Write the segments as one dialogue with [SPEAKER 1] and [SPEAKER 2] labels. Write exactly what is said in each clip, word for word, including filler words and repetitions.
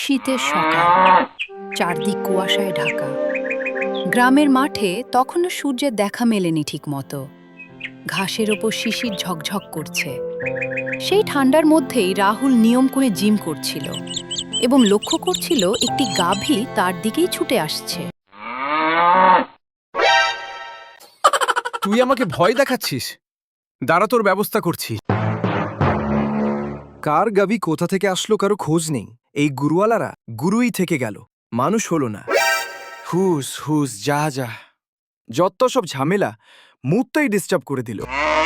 [SPEAKER 1] শীতের সকাল, চারদিক কুয়াশায় ঢাকা। গ্রামের মাঠে তখনও সূর্যের দেখা মেলেনি ঠিক মতো। ঘাসের ওপর শিশির ঝকঝক করছে। সেই ঠান্ডার মধ্যেই রাহুল নিয়ম করে জিম করছিল এবং লক্ষ্য করছিল একটি গাভী তার দিকেই ছুটে আসছে।
[SPEAKER 2] তুই আমাকে ভয় দেখাচ্ছিস? দাঁড়া, তোর ব্যবস্থা করছি। কার গাভী কোথা থেকে আসলো কারো খোঁজ নেই। এই গুরুওয়ালারা গুরুই থেকে গেল, মানুষ হলো না। হুস হুস যা যা, যত সব ঝামেলা মুহূর্তেই ডিস্টার্ব করে দিল।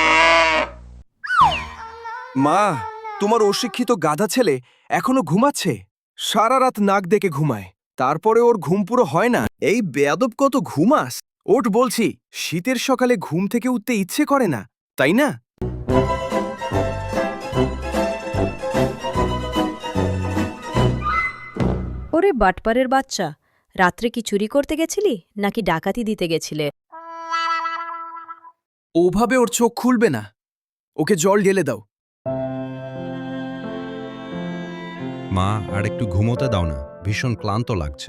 [SPEAKER 2] মা, তোমার অশিক্ষিত গাধা ছেলে এখনো ঘুমাচ্ছে। সারা রাত নাক ডেকে ঘুমায়, তারপরে ওর ঘুম পুরো হয় না। এই বেয়াদব কত ঘুমাস। ওঠ বলছি, শীতের সকালে ঘুম থেকে উঠতে ইচ্ছে করে না, তাই না?
[SPEAKER 3] ওরে বাটপারের বাচ্চা, রাত্রে কি চুরি করতে গেছিলি নাকি ডাকাতি দিতে গেছিলে?
[SPEAKER 2] ওভাবে ওর চোখ খুলবে না। ওকে জল ঢেলে দাও।
[SPEAKER 4] মা, আর একটু ঘুমোতে দাও না, ভীষণ ক্লান্ত লাগছে।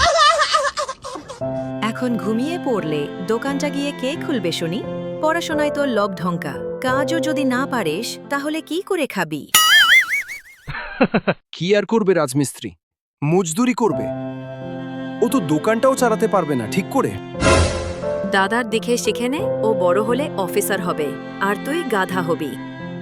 [SPEAKER 3] এখন ঘুমিয়ে পড়লে দোকানটা গিয়ে কে খুলবে শুনি? পড়াশোনায় তোর লব ঢঙ্কা, কাজও যদি না পারিস তাহলে কি করে খাবি?
[SPEAKER 2] কি আর করবে রাজমিস্ত্রি? মজদুরি করবে। ও তো দোকানটাও চালাতে পারবে না ঠিক করে।
[SPEAKER 3] দাদার দিকে শিখে নে, ও বড় হলে অফিসার হবে আর তুই গাধা হবি।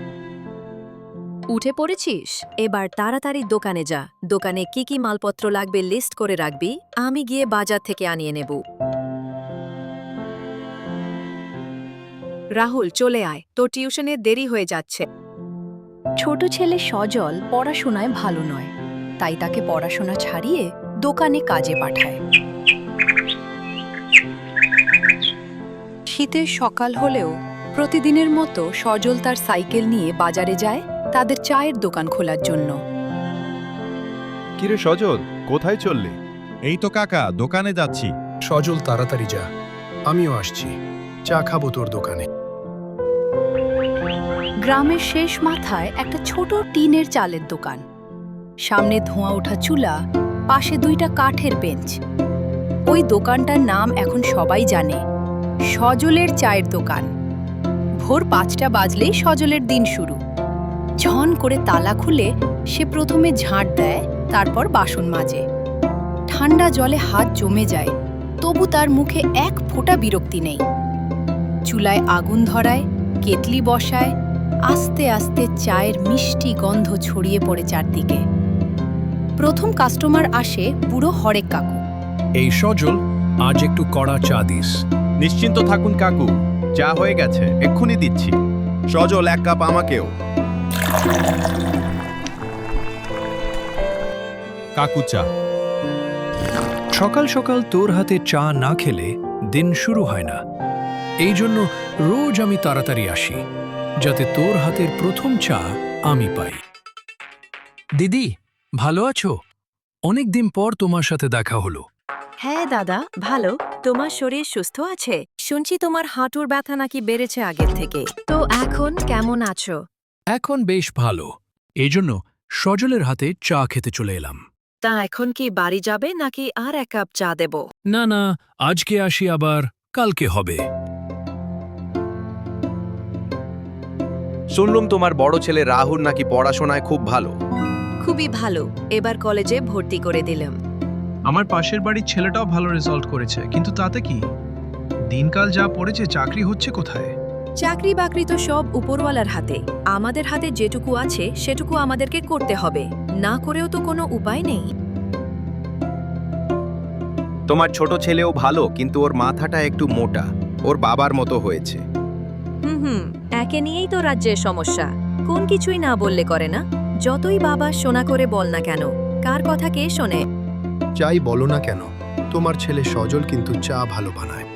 [SPEAKER 3] উঠে পড়েছিস? এবার তাড়াতাড়ি দোকানে যা। দোকানে কি কি মালপত্র লাগবে লিস্ট করে রাখবি, আমি গিয়ে বাজার থেকে আনিয়ে নেব। রাহুল, চলে আয়, তোর টিউশনে দেরি হয়ে যাচ্ছে।
[SPEAKER 1] ছোট ছেলে সজল পড়াশোনায় ভালো নয়, তাই তাকে পড়াশোনা ছাড়িয়ে দোকানে কাজে পাঠায়। শীতের সকাল হলেও প্রতিদিনের মতো সজল তার সাইকেল নিয়ে বাজারে যায় তাদের চায়ের দোকান খোলার জন্য।
[SPEAKER 5] কিরে সজল, কোথায় চললি?
[SPEAKER 4] এই তো কাকা, দোকানে যাচ্ছি।
[SPEAKER 6] সজল তাড়াতাড়ি যা, আমিও আসছি। চা খাবো তোর দোকানে।
[SPEAKER 1] গ্রামের শেষ মাথায় একটা ছোট টিনের চালের দোকান। সামনে ধোঁয়া ওঠা চুলা, পাশে দুইটা কাঠের বেঞ্চ। ওই দোকানটার নাম এখন সবাই জানে, সজলের চায়ের দোকান। ভোর পাঁচটা বাজলেই সজলের দিন শুরু। ঝন করে তালা খুলে সে প্রথমে ঝাঁট দেয়, তারপর বাসন মাজে। ঠান্ডা জলে হাত জমে যায়, তবু তার মুখে এক ফোঁটা বিরক্তি নেই। চুলায় আগুন ধরায়, কেটলি বসায়, আস্তে আস্তে চায়ের মিষ্টি গন্ধ ছড়িয়ে পড়ে চারদিকে। প্রথম কাস্টমার আসে বুড়ো হরেক কাকু।
[SPEAKER 6] এই সজল, আজ একটু কড়া চা দিস।
[SPEAKER 5] নিশ্চিন্ত থাকুন কাকু, চা হয়ে গেছে, এক্ষুনি দিচ্ছি। সজল, এক কাপ আমাকেও।
[SPEAKER 4] কাকু চা।
[SPEAKER 6] সকাল সকাল তোর হাতে চা না খেলে দিন শুরু হয় না। এই জন্য রোজ আমি তাড়াতাড়ি আসি, যাতে তোর হাতের প্রথম চা আমি পাই। দিদি, ভালো আছো? অনেক দিন পর তোমার সাথে দেখা হলো।
[SPEAKER 3] হ্যাঁ দাদা, ভালো। তোমার শরীর সুস্থ আছে? শুনছি তোমার হাঁটুর ব্যথা নাকি বেড়েছে আগের থেকে। তো এখন কেমন আছো?
[SPEAKER 6] এখন বেশ ভালো। এই জন্য সজলের হাতে চা খেতে চলে এলাম।
[SPEAKER 3] তা এখন কি বাড়ি যাবে নাকি আর এক কাপ চা দেব?
[SPEAKER 6] না না, আজকে আসি, আবার কালকে হবে।
[SPEAKER 5] শুনলুম তোমার বড় ছেলে রাহুল নাকি পড়াশোনায় খুব ভালো।
[SPEAKER 3] খুবই ভালো, এবার কলেজে ভর্তি করে দিলাম।
[SPEAKER 7] আমার পাশের বাড়ির ছেলেটাও ভালো রেজাল্ট করেছে, কিন্তু তাতে কি? দিনকাল যা পড়েছে, চাকরি হচ্ছে কোথায়?
[SPEAKER 3] চাকরি বাকরি তো সব উপরওয়ালার হাতে। আমাদের হাতে যেটুকু আছে সেটুকু আমাদেরকে করতে হবে, না করেও তো কোনো উপায় নেই।
[SPEAKER 5] তোমার ছোট ছেলেও ভালো, কিন্তু ওর মাথাটা একটু মোটা, ওর বাবার মতো হয়েছে।
[SPEAKER 3] হুম হুম একে নিয়েই তো রাজ্যের সমস্যা। কোন কিছুই না বললে করে না। যতই বাবা শোনা করে বল না কেন, কার কথা কে শোনে?
[SPEAKER 6] চাই বলো না কেন, তোমার ছেলে সজল কিন্তু চা ভালো বানায়।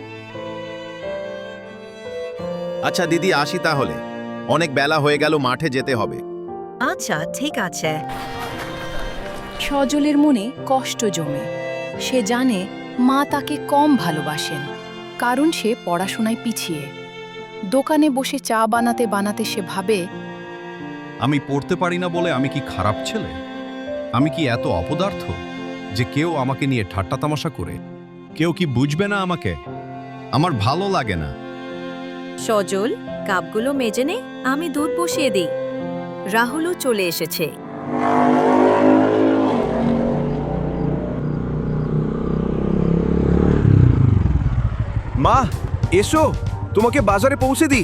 [SPEAKER 5] আচ্ছা দিদি, আসি তাহলে, অনেক বেলা হয়ে গেল, মাঠে যেতে হবে।
[SPEAKER 3] আচ্ছা ঠিক আছে।
[SPEAKER 1] সজলের মনে কষ্ট জমে। সে জানে মা তাকে কম ভালোবাসেন, কারণ সে পড়াশোনায় পিছিয়ে। দোকানে বসে চা বানাতে বানাতে সে ভাবে,
[SPEAKER 4] আমি পড়তে পারি না বলে আমি কি খারাপ ছেলে? আমি কি এত অপদার্থ?
[SPEAKER 5] যে কেউ আমাকে নিয়ে ঠাট্টা তামাশা করে? কেউ কি বুঝবে না আমাকে? আমার ভালো লাগে না।
[SPEAKER 3] সজল, কাপগুলো মেজে নে, আমি দুধ বসিয়ে দিই। রাহুলও চলে এসেছে।
[SPEAKER 2] মা এসো, তোমাকে বাজারে পৌঁছে দিই।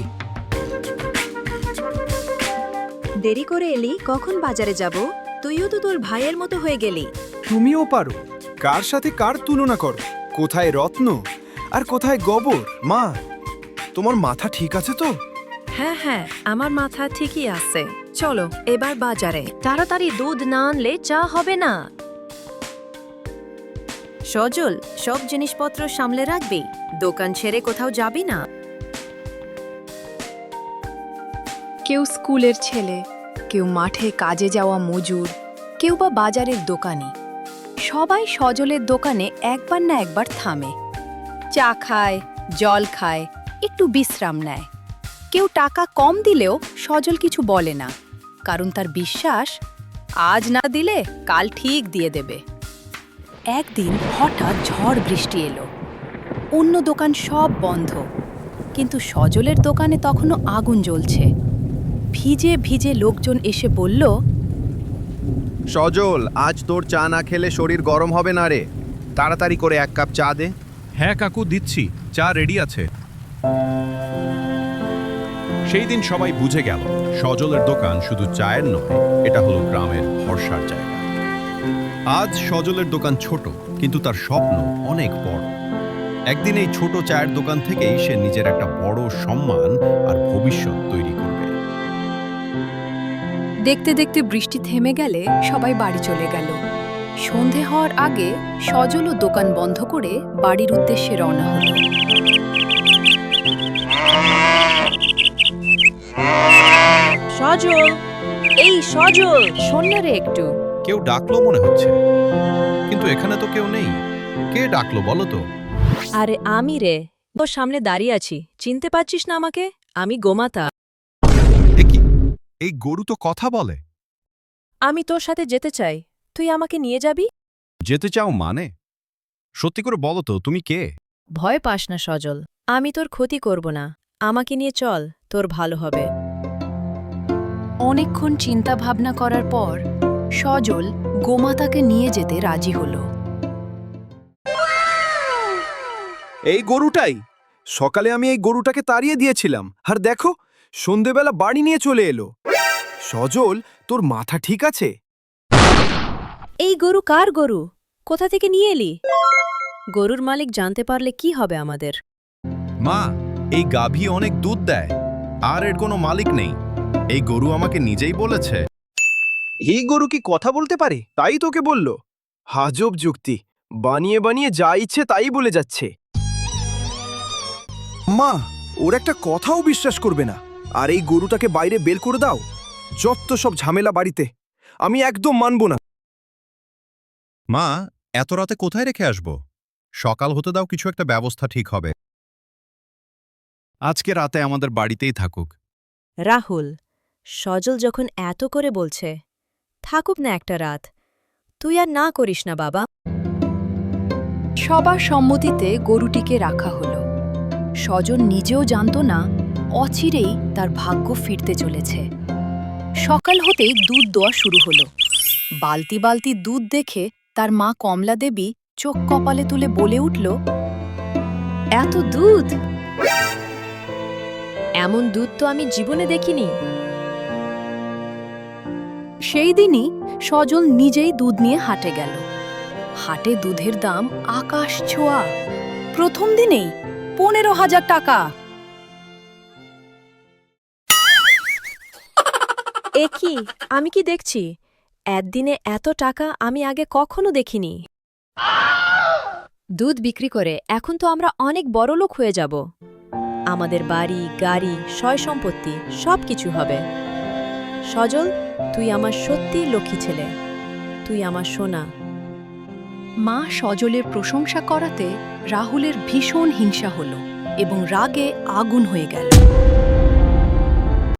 [SPEAKER 3] দেরি করে এলি, কখন বাজারে যাব? তুইও তো তোর ভাইয়ের মতো হয়ে গেলি।
[SPEAKER 2] তুমিও পারো। কার সাথে কার তুলনা করো? কোথায় রত্ন আর কোথায় গোবর? মা, তোমার মাথা ঠিক আছে তো?
[SPEAKER 3] হ্যাঁ হ্যাঁ, আমার মাথা ঠিকই আছে। চলো এবার বাজারে। তাড়াতাড়ি দুধ না আনলে চা হবে না। সজল, সব জিনিসপত্র সামলে রাখবি, দোকান ছেড়ে কোথাও যাবি না।
[SPEAKER 1] কেউ স্কুলের ছেলে, কেউ মাঠে কাজে যাওয়া মজুর, কেউ বা বাজারের দোকানি। সবাই সজলের দোকানে একবার না একবার থামে, চা খায়, জল খায়, একটু বিশ্রাম নেয়। কেউ টাকা কম দিলেও সজল কিছু বলে না, কারণ তার বিশ্বাস আজ না দিলে কাল ঠিক দিয়ে দেবে। একদিন হঠাৎ ঝড় বৃষ্টি এলো, অন্য দোকান সব বন্ধ, কিন্তু সজলের দোকানে তখনও আগুন জ্বলছে। ভিজে ভিজে লোকজন এসে বলল,
[SPEAKER 5] সজল, আজ তোর চা না খেলে শরীর গরম হবে না রে। তাড়াতাড়ি করে এক কাপ চা দে।
[SPEAKER 8] হ্যাঁ কাকু, দিচ্ছি, চা রেডি আছে। সেই দিন সবাই বুঝে গেল সজলের দোকান শুধু চায়ের নয়, এটা হলো গ্রামের ভরসার জায়গা। আজ সজলের দোকান ছোট, কিন্তু তার স্বপ্ন অনেক বড়। একদিন এই ছোট চায়ের দোকান থেকেই সে নিজের একটা বড় সম্মান আর ভবিষ্যৎ তৈরি করবে।
[SPEAKER 1] দেখতে দেখতে বৃষ্টি থেমে গেলে সবাই বাড়ি চলে গেল। সন্ধে হওয়ার আগে সজলও দোকান বন্ধ করে বাড়ির উদ্দেশ্যে রওনা হলো।
[SPEAKER 3] সজল, এই সজল, শোন না রে একটু।
[SPEAKER 5] কেউ ডাকলো মনে হচ্ছে, কিন্তু এখানে তো কেউ নেই। কে ডাকলো বলো তো?
[SPEAKER 3] আরে আমি রে, তোর সামনে দাঁড়িয়ে আছি, চিনতে পারছিস না আমাকে? আমি গোমাতা।
[SPEAKER 5] এ কি, এই গরু তো কথা বলে।
[SPEAKER 3] আমি তোর সাথে যেতে চাই, তুই আমাকে নিয়ে যাবি?
[SPEAKER 5] যেতে চাও মানে? সত্যি করে বলো তো, তুমি কে?
[SPEAKER 3] ভয় পাস না সজল, আমি তোর ক্ষতি করব না। আমাকে নিয়ে চল, তোর ভালো হবে।
[SPEAKER 1] অনেকক্ষণ চিন্তা ভাবনা করার পর সজল গোমাতাকে নিয়ে যেতে রাজি হলো।
[SPEAKER 2] এই গরুটাই। সকালে আমি এই গরুটাকে তাড়িয়ে দিয়েছিলাম, আর দেখো সন্ধেবেলা বাড়ি নিয়ে চলে এলো। সজল, তোর মাথা ঠিক আছে?
[SPEAKER 3] এই গরু কার গরু? কোথা থেকে নিয়ে এলি? গরুর মালিক জানতে পারলে কি হবে আমাদের?
[SPEAKER 5] মা, এই গাভী অনেক দুধ দেয়, আর এর কোনো মালিক নেই। এই গরু আমাকে নিজেই বলেছে।
[SPEAKER 2] এই গরু কি কথা বলতে পারে? তাই তোকে বলল? হাজব যুক্তি, বানিয়ে বানিয়ে যা ইচ্ছে তাই বলে যাচ্ছে। মা, ওর একটা কথাও বিশ্বাস করবে না। আর এই গরুটাকে বাইরে বের করে দাও। যত সব ঝামেলা বাড়িতে, আমি একদম মানব না।
[SPEAKER 5] মা, এত রাতে কোথায় রেখে আসব? সকাল হতে দাও, কিছু একটা ব্যবস্থা ঠিক হবে। আজকে রাতে আমাদের বাড়িতেই থাকুক।
[SPEAKER 3] রাহুল, সজল যখন এত করে বলছে, থাকুক না একটা রাত। তুই আর না করিস না বাবা।
[SPEAKER 1] সবার সম্মতিতে গরুটিকে রাখা হলো। সজল নিজেও জানত না অচিরেই তার ভাগ্য ফিরতে চলেছে। সকাল হতেই দুধ দেওয়া শুরু হলো। বালতি বালতি দুধ দেখে তার মা কমলা দেবী চোখ কপালে তুলে বলে উঠল,
[SPEAKER 3] এত দুধ! এমন দুধ তো আমি জীবনে দেখিনি।
[SPEAKER 1] সেই দিনই সজল নিজেই দুধ নিয়ে হাটে গেল। হাটে দুধের দাম আকাশ ছোঁয়া। প্রথম দিনেই পনেরো হাজার টাকা।
[SPEAKER 3] এ কি, আমি কি দেখছি? একদিনে এত টাকা আমি আগে কখনো দেখিনি। দুধ বিক্রি করে এখন তো আমরা অনেক বড়লোক হয়ে যাব। আমাদের বাড়ি, গাড়ি, সয় সম্পত্তি সব কিছু হবে। সজল, তুই আমার সত্যি লক্ষ্মী ছেলে। তুই আমার সোনা।
[SPEAKER 1] মা সজলের প্রশংসা করাতে রাহুলের ভীষণ হিংসা হলো এবং রাগে আগুন হয়ে গেল।